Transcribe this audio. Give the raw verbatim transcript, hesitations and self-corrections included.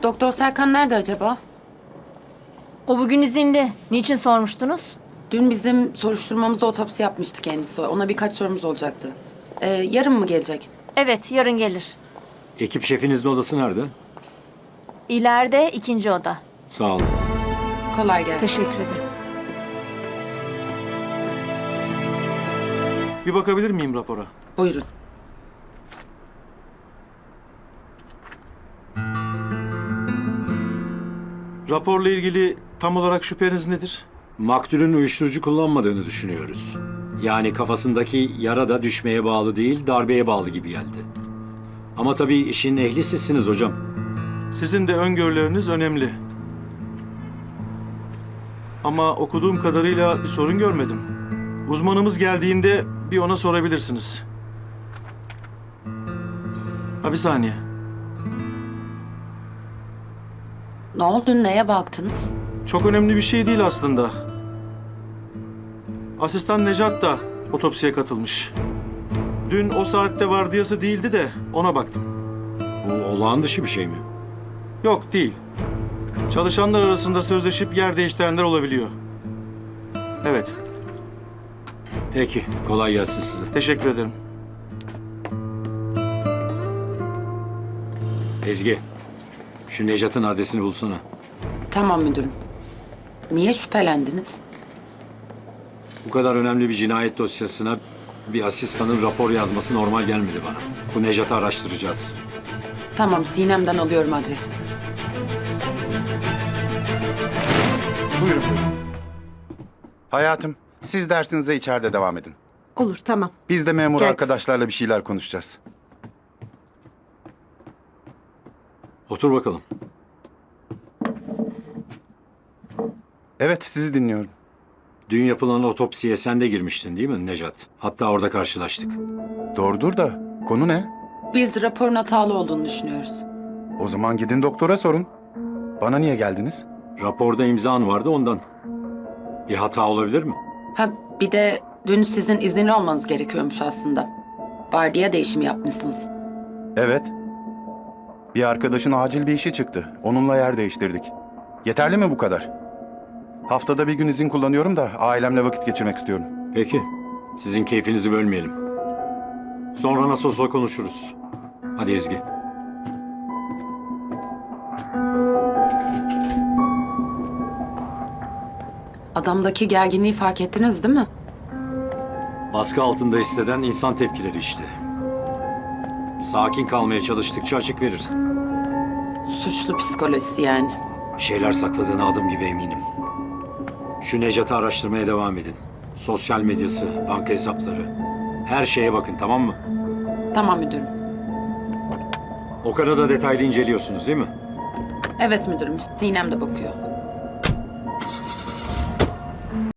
Doktor Serkan nerede acaba? O bugün izinli. Niçin sormuştunuz? Dün bizim soruşturmamızda otopsi yapmıştı kendisi. Ona birkaç sorumuz olacaktı. Ee, yarın mı gelecek? Evet, yarın gelir. Ekip şefinizin odası nerede? İleride ikinci oda. Sağ olun. Kolay gelsin. Teşekkür ederim. Bir bakabilir miyim rapora? Buyurun. Raporla ilgili tam olarak şüpheniz nedir? Maktulün uyuşturucu kullanmadığını düşünüyoruz. Yani kafasındaki yara da düşmeye bağlı değil, darbeye bağlı gibi geldi. Ama tabii işin ehli sizsiniz hocam. Sizin de öngörüleriniz önemli. Ama okuduğum kadarıyla bir sorun görmedim. Uzmanımız geldiğinde bir ona sorabilirsiniz. Ha bir saniye. Ne oldu? Neye baktınız? Çok önemli bir şey değil aslında. Asistan Necat da otopsiye katılmış. Dün o saatte vardiyası değildi de ona baktım. Bu olağan dışı bir şey mi? Yok değil. Çalışanlar arasında sözleşip yer değiştirenler olabiliyor. Evet, Peki, kolay gelsin size. teşekkür ederim. Ezgi, şu Necat'ın adresini bulsana. Tamam müdürüm. Niye şüphelendiniz? Bu kadar önemli bir cinayet dosyasına bir asistanın rapor yazması normal gelmedi bana. Bu Necat'ı araştıracağız. Tamam, Sinem'den alıyorum adresi. Buyurun buyurun. Hayatım, siz dersinize içeride devam edin. Olur, tamam. Biz de memur Gel arkadaşlarla bir şeyler konuşacağız. Otur bakalım. Evet, sizi dinliyorum. Dün yapılan otopsiye sen de girmiştin değil mi Necat? Hatta orada karşılaştık. Doğrudur da konu ne? Biz raporun hatalı olduğunu düşünüyoruz. O zaman gidin doktora sorun. Bana niye geldiniz? Raporda imzan vardı ondan. Bir hata olabilir mi? Ha bir de dün sizin izinli olmanız gerekiyormuş aslında. Vardiya değişimi yapmışsınız. Evet. Bir arkadaşın acil bir işi çıktı. Onunla yer değiştirdik. Yeterli mi bu kadar? Haftada bir gün izin kullanıyorum da ailemle vakit geçirmek istiyorum. Peki. Sizin keyfinizi bölmeyelim. Sonra nasıl olsa konuşuruz. Hadi Ezgi. Adamdaki gerginliği fark ettiniz değil mi? Baskı altında hisseden insan tepkileri işte. Sakin kalmaya çalıştıkça açık verirsin. Suçlu psikolojisi yani. Bir şeyler sakladığına adım gibi eminim. Şu Necat'ı araştırmaya devam edin. Sosyal medyası, banka hesapları. Her şeye bakın, tamam mı? Tamam müdürüm. Okan'ı da detaylı inceliyorsunuz değil mi? Evet müdürüm. Sinem de bakıyor.